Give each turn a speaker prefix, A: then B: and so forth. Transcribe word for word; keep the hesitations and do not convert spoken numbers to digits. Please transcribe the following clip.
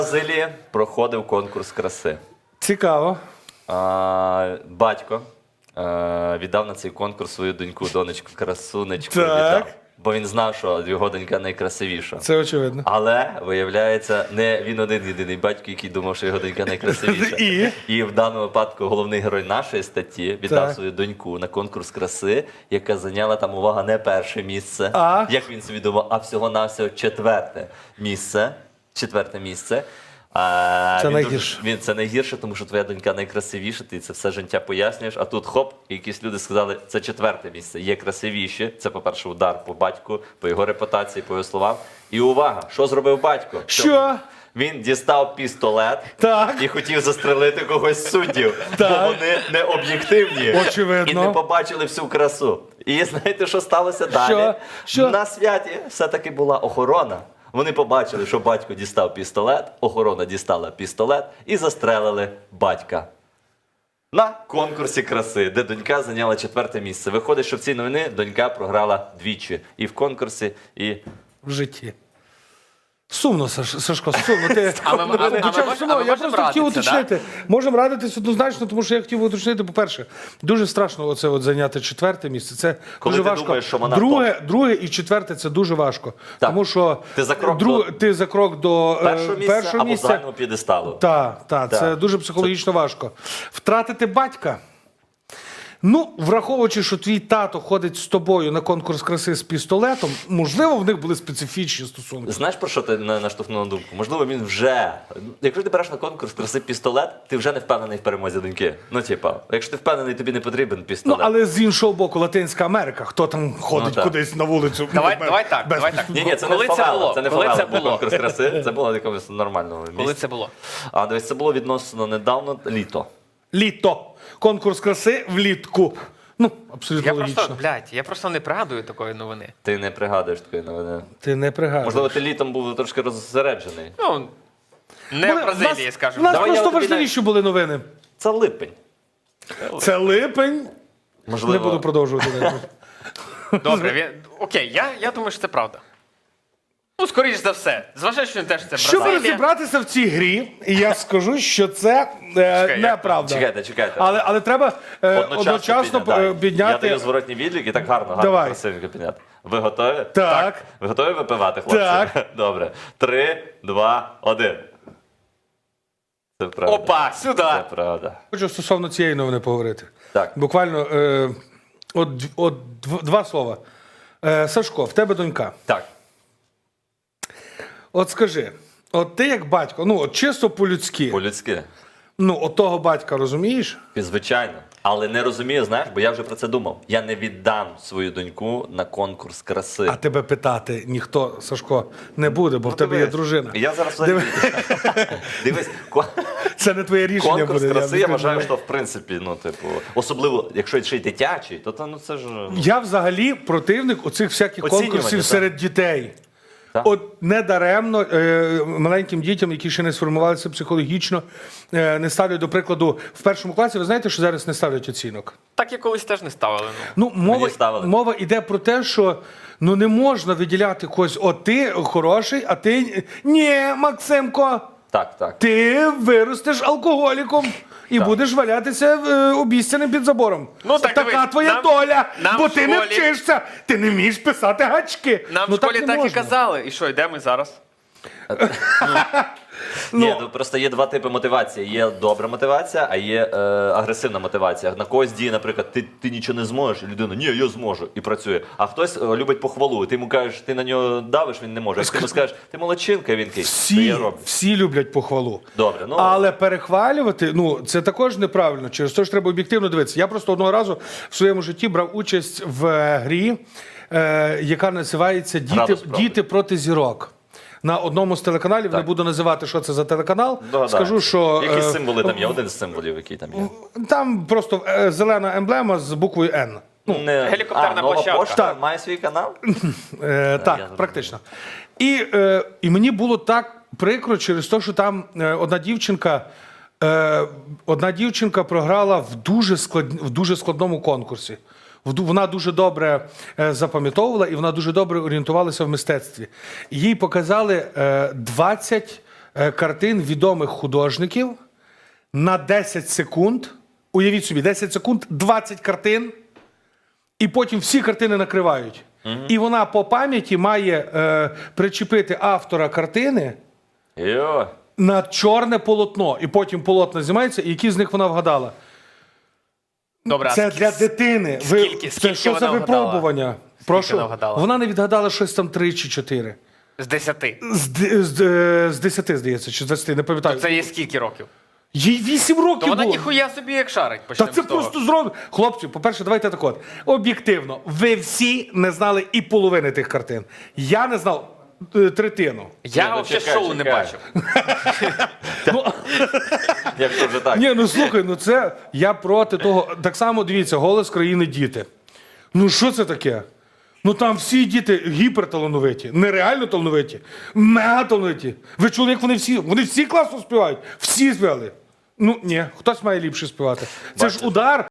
A: Бразилії проходив конкурс краси.
B: Цікаво.
A: А, батько а, віддав на цей конкурс свою доньку, донечку, красунечку
B: Так.
A: віддав. Бо він знав, що його донька найкрасивіша.
B: Це очевидно.
A: Але, виявляється, не він один єдиний батько, який думав, що його донька найкрасивіша.
B: І?
A: І в даному випадку головний герой нашої статті віддав
B: Так.
A: свою доньку на конкурс краси, яка зайняла там, увага, не перше місце,
B: А?
A: як він собі думав, а всього-навсього четверте місце. Четверте місце. А,
B: Це
A: він
B: найгірше.
A: Дуже, він, це найгірше, тому що твоя донька найкрасивіша, ти це все життя пояснюєш, а тут хоп, і якісь люди сказали, це четверте місце, є красивіші. Це, по-перше, удар по батьку, по його репутації, по його словам. І увага, що зробив батько?
B: Що?
A: Він дістав пістолет
B: Так.
A: і хотів застрелити когось з суддів, бо
B: Так.
A: вони не об'єктивні
B: Очевидно.
A: і не побачили всю красу. І знаєте, що сталося далі?
B: Що? Що?
A: На святі все-таки була охорона. Вони побачили, що батько дістав пістолет, охорона дістала пістолет і застрелили батька. На конкурсі краси, де донька зайняла четверте місце. Виходить, що в цій новині донька програла двічі. І в конкурсі, і...
B: В житті. Сумно, Саш, Сашко, сумно. Ти...
C: А ми- а ми- а ми
B: Хоча
C: мож-
B: сумно,
C: а ми
B: я
C: можемо
B: просто хотів
C: радитися,
B: уточнити. Можемо радитись однозначно, тому що я хотів уточнити, по-перше, дуже страшно оце от зайняти четверте місце. Це
A: Коли
B: дуже
A: ти
B: важко.
A: думаєш, що вона
B: друге, друге і четверте це дуже важко.
A: Так.
B: Тому що
A: Ти за крок
B: друг-
A: до
B: ти за крок до е,
A: першого місця
B: першого
A: або
B: місця.
A: загального п'єдесталу.
B: Так, так, це
A: Так.
B: дуже психологічно важко. Втратити батька. Ну, враховуючи, що твій тато ходить з тобою на конкурс краси з пістолетом, можливо, в них були специфічні стосунки.
A: Знаєш, про що ти на- наштовхнув на думку? Можливо, він вже. Якщо ти береш на конкурс краси пістолет, ти вже не впевнений в перемозі доньки. Ну, типа, якщо ти впевнений, тобі не потрібен
B: Ну,
A: пістолет.
B: але з іншого боку, Латинська Америка, хто там ходить
A: Ну, так.
B: кудись на вулицю?
C: Давай,
B: без-
C: давай так,
B: без-
C: давай так.
A: Ні, ні, це
C: Коли
A: не
C: це
A: фавела,
C: було?
A: це не
C: Коли
A: фавела
C: це
A: на
C: було?
A: конкурс краси, це було в якомусь нормальному місці.
C: Коли це було?
A: А дивись, це було відносно недавно, літо.
B: Літо. Конкурс краси влітку. Ну, абсолютно
C: Я
B: логічно.
C: просто, блядь, я просто не пригадую такої новини.
A: Ти не пригадуєш такої новини.
B: Ти не пригадуєш.
A: Можливо, ти літом був трошки розсереджений.
C: Ну, не
B: Були-
C: в Бразилії,
B: в нас-
C: скажімо.
B: У нас
A: Давай я
B: просто
A: тобі
B: важливіші були новини.
A: Це липень.
B: Це липень.
A: Можливо,
B: Не буду продовжувати.
C: Добре, він... окей, я, я думаю, що це правда. Ну, скоріш за все. Зважаючи на те, що це
B: Щоб
C: Бразилія.
B: розібратися в цій грі, я скажу, що це е,
C: Чекай, як
B: неправда.
A: Чекайте, чекайте.
B: Але, але треба е, одночасно,
A: підняти.
B: е, підняти.
A: Я даю зворотній відлік і так гарно, гарно,
B: Давай.
A: красивенько підняти. Ви готові?
B: Так.
A: Ви готові випивати, хлопці?
B: Так.
A: Добре. Три, два, один. Це правда.
C: Опа, сюди!
A: Це правда.
B: Хочу стосовно цієї новини поговорити.
A: Так.
B: Буквально е, от, от дв- два слова. Е, Сашко, в тебе донька.
A: Так.
B: От скажи, от ти як батько, ну от чисто по-людськи,
A: По-людськи.
B: ну от того батька розумієш?
A: Звичайно. Але не розумію, знаєш, бо я вже про це думав. Я не віддам свою доньку на конкурс краси.
B: А тебе питати ніхто, Сашко, не буде, бо в тебе є
A: Дивись,
B: дружина.
A: Я зараз
B: Диви-
A: Дивись, ко-
B: Це не твоє рішення
A: конкурс
B: буде.
A: краси,
B: не
A: я
B: знаю.
A: вважаю, що в принципі, ну, типу, особливо, якщо ще й дитячий, то, то ну це ж. ну,
B: Я взагалі противник оцих всяких
A: Оцінювання,
B: конкурсів
A: так.
B: серед дітей.
A: Так.
B: От недаремно е, маленьким дітям, які ще не сформувалися психологічно, е, не ставлять, до прикладу, в першому класі, ви знаєте, що зараз не ставлять оцінок?
C: Так я колись теж не ставили. Ну.
B: Ну, мова,
A: ставили.
B: мова йде про те, що ну, не можна виділяти когось, от ти хороший, а ти ні, Максимко,
A: Так, так.
B: ти виростеш алкоголіком і
A: Так.
B: будеш валятися е, обіцяним під забором.
C: Ну, так
B: така
C: дивись,
B: твоя
C: нам-
B: доля,
C: нам
B: бо
C: в
B: ти не
C: школі-
B: вчишся, ти не вмієш писати гачки.
C: Нам
B: ну,
C: в школі
B: не
C: так, і
B: можна.
C: казали. І що, йдемо зараз?
A: Ні, ну просто є два типи мотивації. Є добра мотивація, а є е, агресивна мотивація. На когось діє, наприклад, ти, ти нічого не зможеш, і людина, ні, я зможу, і працює. А хтось е, любить похвалу. Ти йому кажеш, ти на нього давиш, він не може. А ти йому скажеш, ти молодчинка, він кий. Це
B: Всі,
A: я роблю.
B: всі люблять похвалу.
A: Добре, ну
B: Але перехвалювати, ну це також неправильно. Через те ж треба об'єктивно дивитися. Я просто одного разу в своєму житті брав участь в е, грі, е, яка називається Діти,
A: Градус правди.
B: Діти проти зірок. На одному з телеканалів, не буду називати, що це за телеканал.
A: догадаю.
B: Скажу, що
A: Які
B: е,
A: символи там є? Один з символів, який там є.
B: там просто е, зелена емблема з буквою Н.
A: Не...
C: гелікоптерна
A: а, нова
C: площадка.
A: пошта має свій канал?
B: Е, так,
A: зрозумів.
B: практично. І, е, і мені було так прикро через те, що там е, одна дівчинка. Е, одна дівчинка програла в дуже, склад, в дуже складному конкурсі. В ду- Вона дуже добре е, запам'ятовувала і вона дуже добре орієнтувалася в мистецтві. Їй показали е, двадцять е, картин відомих художників на десять секунд. Уявіть собі, десять секунд, двадцять картин, і потім всі картини накривають. І вона по пам'яті має е, причепити автора картини
A: Йо.
B: на чорне полотно. І потім полотно знімається, і які з них вона вгадала.
C: Добре, а
B: Це
C: скі-
B: для дитини. Ви,
C: скільки-
B: це
C: скільки
B: що за
C: вона вгадала?
B: випробування? Прошу.
C: вона вгадала?
B: Вона не відгадала щось там три чи чотири.
C: З десяти.
B: З, д- з, е, з десяти, здається, чи з двадцяти, не пам'ятаю.
C: Це є скільки років?
B: Їй вісім років
C: То вона
B: було.
C: ніхуя собі як шарить.
B: Та
C: Почнемо
B: це
C: з того.
B: просто зробить. Хлопці, по-перше, давайте так от. Об'єктивно, ви всі не знали і половини тих картин. Я не знав е, третину.
C: Я
A: Ні, ну,
C: взагалі
A: чекай,
C: шоу не
A: чекай.
C: бачив.
A: Як то вже так?
B: Ні, ну слухай, ну це я проти того. Так само дивіться, голос країни діти. Ну що це таке? Ну там всі діти гіперталановиті, нереально талановиті, мега талановиті. Ви чули, як вони всі? Вони всі класно співають. Всі співали. Ну ні, хтось має ліпше співати. Це ж
A: Бачите.
B: удар.